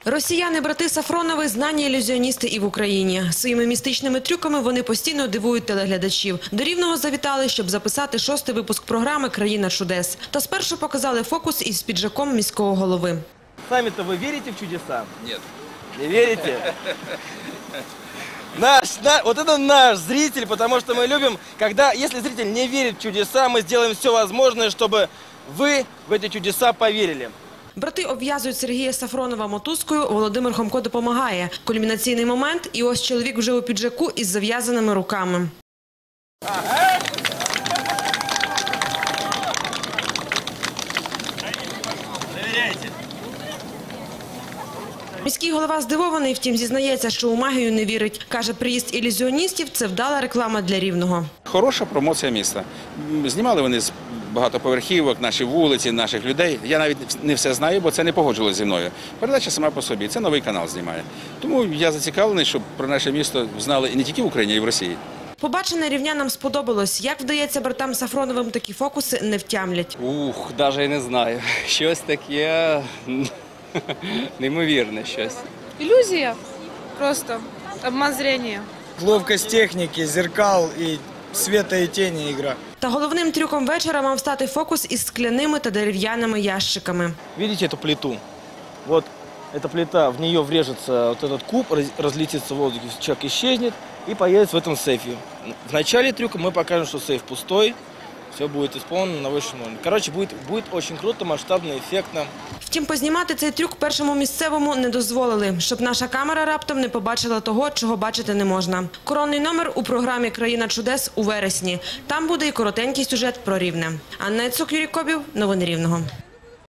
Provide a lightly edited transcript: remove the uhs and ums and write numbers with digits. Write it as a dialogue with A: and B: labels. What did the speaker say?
A: Росіяни-брати Сафронови – знані ілюзіоністи і в Україні. Своїми містичними трюками вони постійно дивують телеглядачів. До Рівного завітали, щоб записати 6-й випуск програми «Країна чудес». Та спершу показали фокус із піджаком міського голови.
B: Сами-то вы верите в чудеса?
C: Нет.
B: Не верите? Вот это наш зритель, потому что мы любим, если зритель не верит в чудеса, мы сделаем все возможное, чтобы вы в эти чудеса поверили.
A: Брати обв'язують Сергія Сафронова мотузкою, Володимир Хомко допомагає. Кульмінаційний момент – і ось чоловік вже у піджаку із зав'язаними руками. Міський голова здивований, втім зізнається, що у магію не вірить. Каже, приїзд ілюзіоністів – це вдала реклама для Рівного.
D: Хороша промоція міста. Знімали вони з багатоповерхівок, наші вулиці, наших людей. Я навіть не все знаю, бо це не погоджувалося зі мною. Передача сама по собі. Це новий канал знімає. Тому я зацікавлений, щоб про наше місто знали і не тільки в Україні, а й в Росії.
A: Побачене рівнянам сподобалось. Як вдається братам Сафроновим такі фокуси, не втямлять.
E: Навіть і не знаю. Щось таке неймовірне щось.
F: Иллюзия. Просто обман зрения.
G: Ловкость техники, зеркал и света и тени игра.
A: Та головним трюком вечора мав стати фокус із скляними та дерев'яними ящиками.
B: Видите эту плиту? Вот эта плита, в нее врежется вот этот куб, разлетится в воздухе, человек исчезнет и появится в этом сейфе. В начале трюка мы покажем, что сейф пустой, все будет исполнено на высшем уровне. Короче, будет очень круто, масштабно, эффектно.
A: Втім, познімати цей трюк першому місцевому не дозволили, щоб наша камера раптом не побачила того, чого бачити не можна. Коронний номер у програмі «Країна чудес» у вересні. Там буде і коротенький сюжет про Рівне. Анна Яцук, Юрій Кобів. Новини Рівного.